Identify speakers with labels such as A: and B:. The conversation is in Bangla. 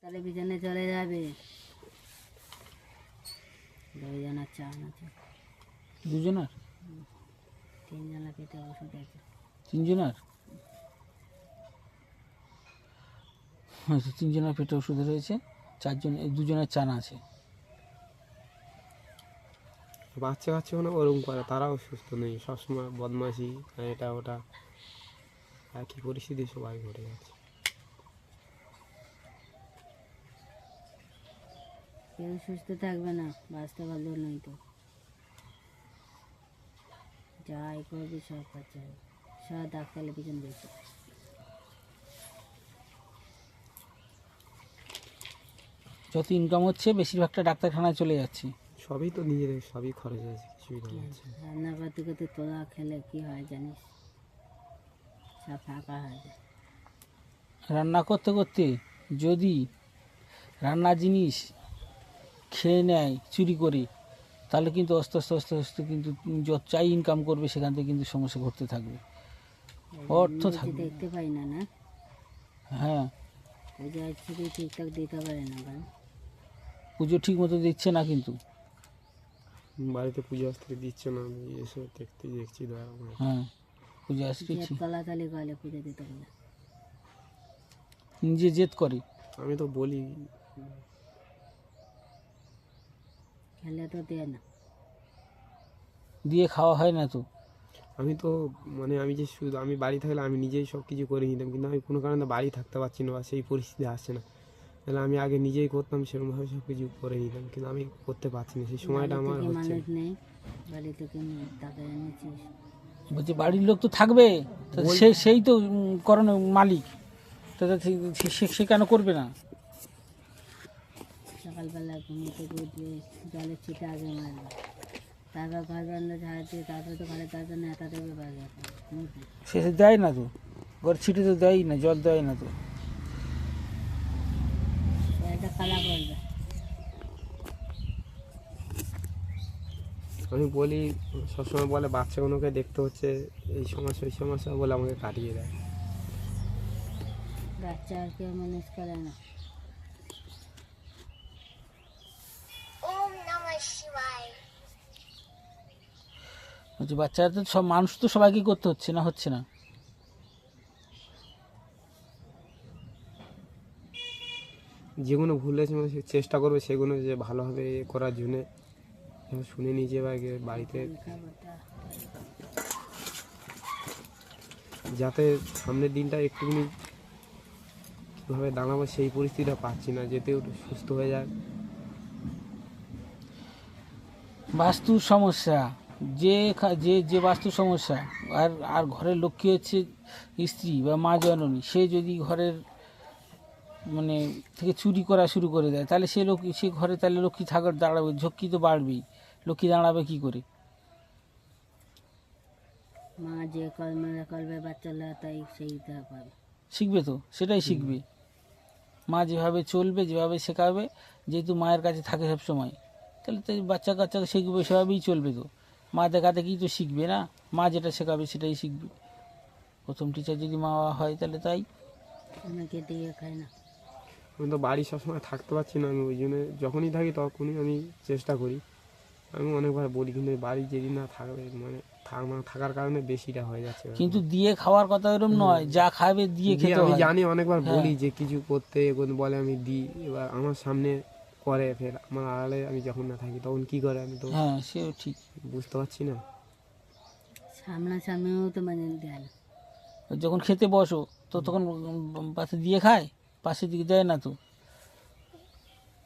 A: টেলিভিশনে চলে যাবে। দুজনের চান আছে।
B: দুজনের?
A: তিনজনের পেটে ওষুধ আছে।
B: তিনজনের? আচ্ছা, তিনজনের পেটে ওষুধ রয়েছে, দুজনের চান আছে।
C: বাচ্চা কাচ্চাগুলো ওরকম করে, তারাও সুস্থ নেই, সবসময় বদমাশি, এটা ওটা, একই পরিস্থিতি সবাই ঘটে যাচ্ছে।
A: কেউ সুস্থ থাকবে না, বাঁচতে পারলো নয় তো যাই করবি সব খরচা হবে, সব ডাক্তারের পিছন দিয়েছে।
B: যত ইনকাম হচ্ছে বেশিরভাগটা ডাক্তারখানায় চলে যাচ্ছে।
C: সবই তো নিজেদের, সবই খরচ আছে, কিছুই না হচ্ছে।
A: রান্না করতে করতে তোলা খেলে কি হয় জানিস, সব ফাঁকা হয়ে যায়।
B: রান্না করতে করতে যদি রান্নার জিনিস খেয়ে নেয় চুরি করে, তাহলে কিন্তু আস্তে আস্তে আস্তে আস্তে কিন্তু যত চাই ইনকাম করবে সেখান থেকে কিন্তু সমস্যা ঘটতে থাকবে, অর্থ
A: নিজে
B: থাকবে।
A: দেখতে পাই না, না
B: হ্যাঁ,
A: পুজো ছুটি ঠিকঠাক দিতে পারে না, কারণ
B: পুজো ঠিক মতো দিচ্ছে না কিন্তু।
C: বাড়িতে পুজো আসতে দিচ্ছে না, আমি এসে দেখছি দয়া করে।
B: হ্যাঁ, পুজো আসছে,
A: তলাতলি গলে পুজো দিতে পারে,
B: নিজে জেদ করে।
C: আমি তো বলি,
A: খেলে তো দেয় না।
B: দিয়ে খাওয়া হয় না তো।
C: আমি তো মানে আমি যে শুধু আমি বাড়ি থাকলে আমি নিজেই সব কিছু করে নিতাম, কিন্তু আমি কোনো কারণে বাড়ি থাকতে পারছি না বা সেই পরিস্থিতি আসছে না। তাহলে আমি আগে নিজেই করতাম, সেরকমভাবে সব কিছু করে নিতাম, কিন্তু আমি করতে পারছি না, সেই সময়টা আমার
A: বাড়িতে কি
C: হচ্ছে না।
A: মানুষ নেই, বাড়িতে কি টাকা এনেছিস?
B: বলছে বাড়ির লোক তো থাকবে, তা সেই তো করণ মালিক, তা সে কেন করবে না?
A: সকালবেলা ঘুমিয়ে থেকে উঠবে, জলের ছিটা আগে মারবে, তারপর ঘর বন্ধ ঝাড়ছে, তারপরে তো ঘরে তারপর নেতা দেবে বাজার
B: সে দেয় না তো, ঘর ছিটে তো দেয় না, জল দেয় না তো।
A: একটা খালা করবে।
C: আমি বলি, সবসময় বলে বাচ্চাগুলোকে দেখতে হচ্ছে, এই সমস্যা ওই সমস্যা বলে আমাকে কাটিয়ে দেয়।
A: বাচ্চা আর কেউ ম্যানেজ করে না।
B: বলছি বাচ্চারা তো সব, মানুষ তো সবাইকে করতে হচ্ছে না, হচ্ছে না।
C: যেগুলো ভুল হয়েছে মানে চেষ্টা করবে সেগুলো যে ভালোভাবে করার জন্যে, শুনে নিজে বা বাড়িতে, যাতে সামনের দিনটা একটুখানি কীভাবে দাঁড়াবো সেই পরিস্থিতিটা পাচ্ছি না, যেতে একটু সুস্থ হয়ে যায়।
B: বাস্তুর সমস্যা, যে যে বাস্তু সমস্যা, আর আর ঘরের লক্ষ্মী হচ্ছে স্ত্রী বা মা জননী, সে যদি ঘরের মানে থেকে চুরি করা শুরু করে দেয়, তাহলে সে ঘরে তাহলে লক্ষ্মী থাকার দাঁড়াবে, ঝক্কি তো বাড়বেই, লক্ষ্মী দাঁড়াবে কি করে?
A: মা যে কর্মে করবে বাচ্চারা তাই সেইটা পাবে,
B: শিখবে তো, সেটাই শিখবে। মা যেভাবে চলবে, যেভাবে শেখাবে, যেহেতু মায়ের কাছে থাকে সব সময়, তাহলে তো বাচ্চা কাচ্চাকে শিখবে, সেভাবেই চলবে তো। মা দেখা দেখেই তো শিখবে না, মা যেটা শেখাবে সেটাই শিখবে। প্রথম টিচার যদি মা হয় তাহলে তাই।
A: অনেকে দিয়ে খায় না।
C: আমি তো বাড়ি সবসময় থাকতে পারছি না, আমি ওই জন্য যখনই থাকি তখনই আমি চেষ্টা করি। আমি অনেকবার বলি, কিন্তু বাড়ি যেদিন না থাকবে মানে থাকার কারণে বেশিটা হয়ে যাচ্ছে।
B: কিন্তু দিয়ে খাওয়ার কথা এরকম নয়, যা খাবে দিয়ে খেতে
C: আমি
B: হয়।
C: জানি, অনেকবার
B: হ্যাঁ।
C: বলি যে কিছু করতে, বলে আমি দিই, এবার আমার সামনে করে, ফের আমার আড়ালে আমি যখন না থাকি তখন কি করে আমি তো
B: হ্যাঁ, সেও ঠিক।
C: বুঝতে পারছি না।
A: সামনাসামনিও তো মানে দেয় না।
B: যখন খেতে বসো তো তখন পাশে দিয়ে খায়, পাশের দিকে দেয় না তো।